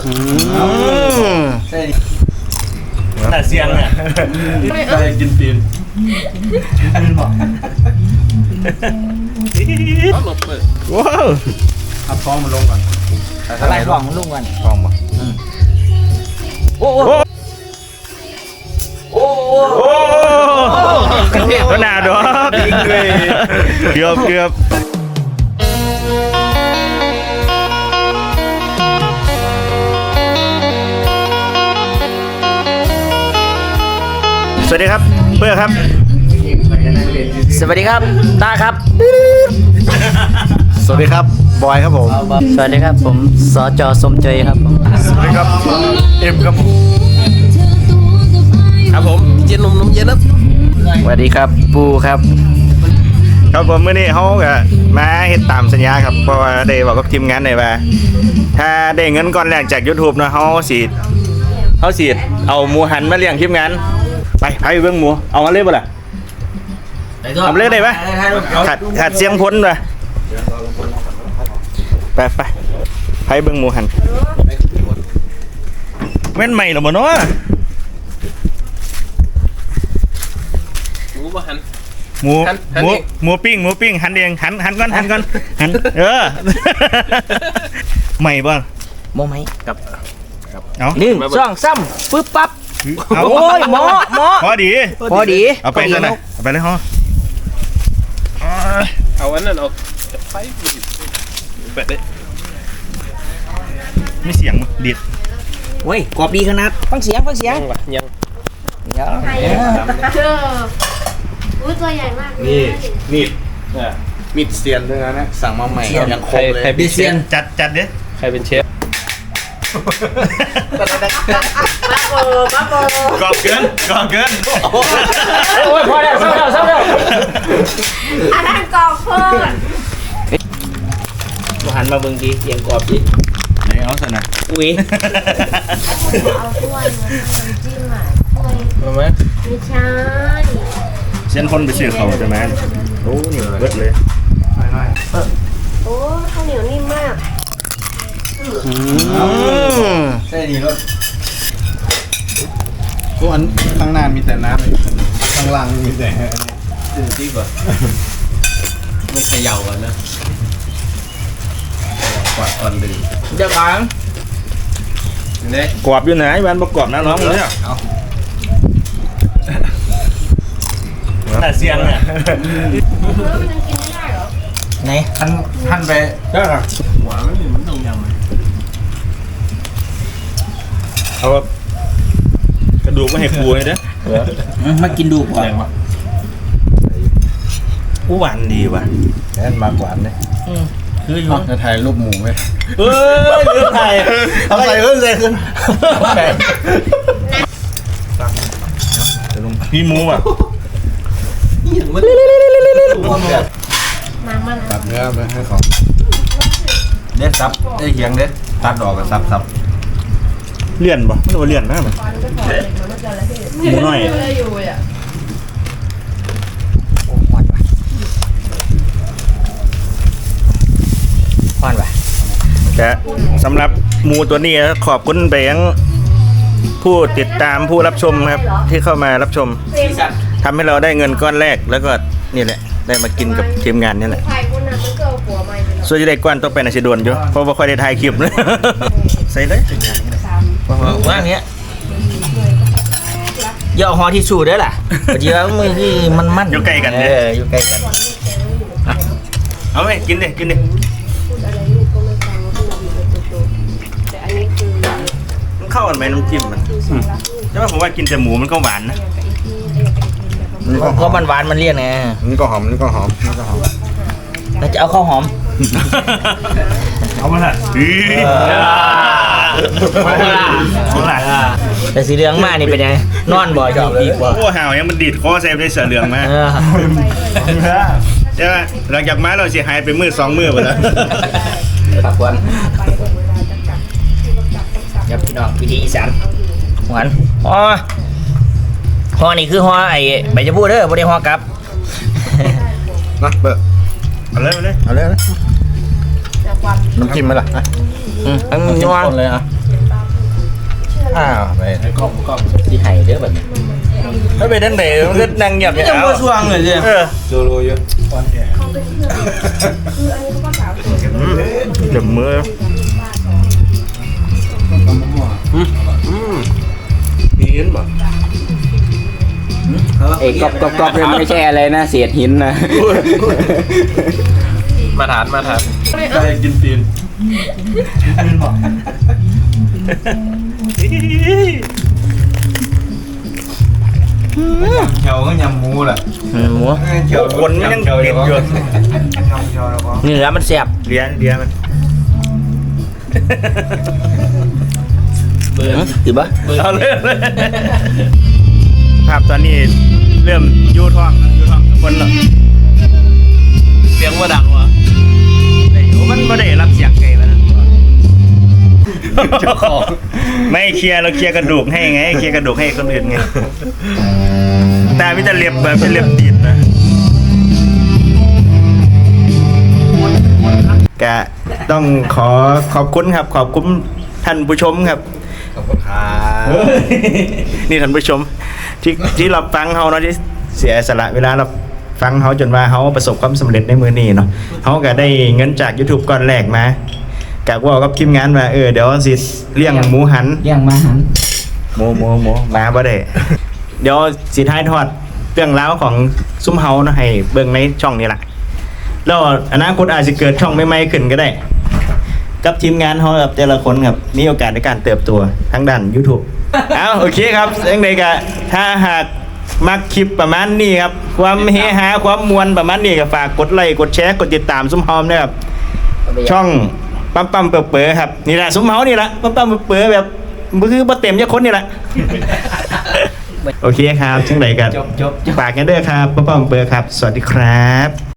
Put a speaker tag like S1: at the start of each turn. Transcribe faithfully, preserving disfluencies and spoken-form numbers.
S1: แต่เสียงเนี่ยใส่กินตีนว้าวเอาท้องมันลงก่อน
S2: อะไรท้องมันลงก่อน
S1: ท้องบ่
S2: โอ้โหโอ้โห
S1: ก็น่าดอกเกือบเกือบสวัสดีครับเพื่อครับ
S2: สวัสดีครับตาครับ
S1: สวัสดีครับบอยครับผม
S2: สวัสดีครับผมสจสมใจครับผม
S1: สวัสดีครับเอ็มครับผม
S3: ครับผมเย็นนมนมเย็นครับ
S2: สวัสดีครับปูครับ
S1: ครับผมเมื่อนี้เขาก็มาเฮ็ดตามสัญญาครับเพราะว่าได้บอกกับทีมงานหน่อยว่าถ้าได้เงินก้อนแรกจาก YouTube เนาะเขาสิเขาสิเอาหมูหันมาเลี้ยงทีมงานไปไปเบิ่งหมูเอามาเลยบ่ล่ะทำเลยได้ปะขัดขัดเสียงพ้นไปไปไปไปเบิ่งหมูหันแม่นใหม่หรอบ่เนาะ
S3: หมูบ่หัน
S1: หมูหมูหมูปิ้งหมูปิ้งหันเองหันหันก่อนหันก่อนหันเออใหม่บ่
S2: โมไหมกับ
S1: เอา
S2: หนึ่งสองสามปึ๊บปั๊บ
S1: โอ้
S2: ยหมอหมอ
S1: พอดี
S2: พอดี
S1: เอาไปเลยนะเอาไปเลยฮะ
S3: เอาอันนั้นเอาไฟเปิดได้
S1: ไม่เสียงดิด
S2: เว้ยกรอบดีขนาดฟังเสียงฟังเสียง
S3: ยัง
S2: เดี๋ยว
S4: เจออุ้ยตัวใหญ่มาก
S1: นี่มีดมีดเซียนด้วยนะสั่งมาใหม่ยังคงเลย
S3: ใครเป็นเชฟ
S1: จัดจัดเด้
S3: ใครเป็นเชฟ
S4: มาโบมาโบ
S1: กรอบเกินกรอบเกิน
S2: โอ้ยพอแล้วเศร้าแล้วเศร้าแล้ว
S4: อันนั้นกรอบเพิ่ม
S2: มาหันมาเบิ่งดีเสียงกรอบดิ
S1: ไหนเอาสินะ
S2: อุ้ย
S4: เอาถ้วยมาทำน้ำจิ้มอ่ะถ้วย
S3: รู้ไหม
S4: ไม่ใช่
S1: เส้นคนไปซื้อเขาใช่ไหมโอ้นี่เบิดเลย
S4: โอ้ข้าวเหนียวนิ่มมาก
S1: ใช่ดีแล้วพวกอันข้างหน้ามีแต่น้ำข้างล่างมีแต่
S3: ตื่นที่ก่อนไม่เขย่ากันนะกวาดก่อนดื่ม
S2: เดี๋ยวก่อน
S3: เนี่ย
S1: กรอบอยู่ไหนวันประกอบนะน้องเลยอ่ะแต่เสียงเนี่ย
S4: มันยังกินไม่ได้เหรอ
S2: ไหน
S1: ท่านท่านไปก็หัวไม่มีมันต้องยำเอากระดูกไม่ให้ปูเลยเด้อ
S2: มากินดูก่อน
S1: อู้หวานดีว่ะแอนมากหวานเลยคืออยู่จะถ่ายรูปหมูไหมเอ้ยเลือถ่ายทำใส่ขึ้นใส่ขึ้นพี่หมูอ่ะ
S4: มามา
S1: ตัดเนื้อไปให้เขาเด็ดซับได้เคียงเด็ดตัดดอกกับซับซับเลี่ยนป่ะไม่รู้ว่าเลี่ยนนะมันหมูน้อย
S2: ควันว่ะ
S1: แต่สำหรับหมูตัวนี้ขอบคุณไปยังผู้ติดตามผู้รับชมครับที่เข้ามารับชมทำให้เราได้เงินก้อนแรกแล้วก็นี่แหละได้มากินกับทีมงานนี่แหละส่วนจะได้ก้อนต้องไปในสิโดนอยู่เพราะว่าค่อยได้ถ่ายคลิปนะใส่เลย
S2: ว่างเนี้ยย่อหอที่สูดได้ล่ะเดี๋ยวมือที่มันมัน
S1: อยู่ใกล้กัน
S2: เอออยู่ใกล้กัน
S1: เอาไหมกินดิกินดิมันเข้ากันไหมน้ำจิ้มมันใช่ไหมผมว่ากินแต่หมูมันก็หวานนะ
S2: ก็มันหวานมันเลี่ยนไง
S1: นี่ก็หอมนี่ก็หอมนี่ก็หอม
S2: เราจะเอาข้าวหอม
S1: เอามาละ
S2: แต่สีเหลืองมากนี่เป็นยังนอนบ่อยดีกว่า
S1: โอ้ห่าวยังมันดีดคอเซฟได้เสือเหลืองมาใช่ไหมหลังจากมาเราเสียหายไปมือสองมือไปแล้ว
S2: ปากหวานยับพี่น้องวิธีอีสานหวานอ๋อห่อนี่คือห่อไอ้ใบชะพูเด้อบ่ได้ห่อกลับ
S1: นะเปิดเอาเลยเอาเลยเอาเลยน้ำจิ้มไหมล่ะ
S2: อืมอันนี้ว่า
S1: เลยอ่ะอ้าวไป
S3: กล้องกล้อง
S2: ที่ไห้เด้อบัดนี้
S1: ถ้าไปนั่งไหนมันก็นั่งเงียบ
S3: ยั
S1: อย่าง ง
S3: มาสว่างเลยใช่
S1: เออ
S3: โซโลเยอะอ่อนแอ
S4: เขาเป็นเพื่อนคืออันนี้เขาก็สาวสวย
S1: อืมเดี๋ยวมือ มีเห็นบ่
S2: ไอ้กอบกอบกอบเนี่ยมันไม่ใช่อะไรนะเศษหินนะ
S3: มาทานมาทานได้กินตีนเขียวก็ยำหมูแหละ
S2: หมู
S3: เขียว
S1: คนมันยังติดอยู่
S2: เนื้อมันแซ่บ
S1: เลี้ยงเลี้ยงมัน
S3: เบื่อ
S2: ถือปะ
S1: เอาเลยเอาเลยภาพตอนนี้เริ่มยูท้องยูท้องทุกคนแล้ว
S3: เสียงว่าดังวะ
S1: แต่อยู่มันไม่ได้รับเสียงไกลแล้วนะ
S3: เจ้าของ
S1: ไม่เคลียร์เราเคลียร์กระดูกให้ไงเคลียร์กระดูกให้คนอื่นไงตาพิจารเรียบแบบเป็นเรียบตีนนะกะต้องขอขอบคุณครับ ขอบคุณท่านผู้ชมครับ
S3: ขอบคุณครับ
S1: นี่ท่านผู้ชมที่ที่เราฟังเขาเนาะที่เสียสละเวลาเราฟังเขาจนว่าเขาประสบความสำเร็จในมือนี้เนาะเขาก็ได้เงินจาก YouTube ก้อนแรกมากะว่ากับทีมงานมาเออเดี๋ยวสิเลี้ยงหมูหัน
S2: ย่างมาหัน
S1: หมูหมูหมูมาบ่ได้ เดี๋ยวสิท้ายทอดเรื่องราวของซุ้มเฮาเนาะให้เบิ่งในช่องนี้ล่ะแล้วอนาคตอาจจะเกิดช่องใหม่ๆขึ้นก็ได้ กับทีมงานเฮากับแต่ละคนครับมีโอกาสในการเติบโตทั้งด้าน YouTube เอาโอเคครับยังไงก็ถ้าหากมักคลิปประมาณนี้ครับ ความเฮฮาความมวลประมาณนี้ก็ฝากกดไลค์กดแชร์กดติดตามซุ้มเฮานะครับ ช่องปั๊มปั๊มเป๋อๆครับนี่แหละซุ้มเฮานี่แหละปั๊มปั๊มเป๋อๆแบบคือบ่เต็มจะคนนี่แหละ โอเคครับจังไดกัน
S2: จบจบจบ
S1: ฝากกันเด้อครับปั๊มปั๊มเป๋อๆครับ สวัสดีครับ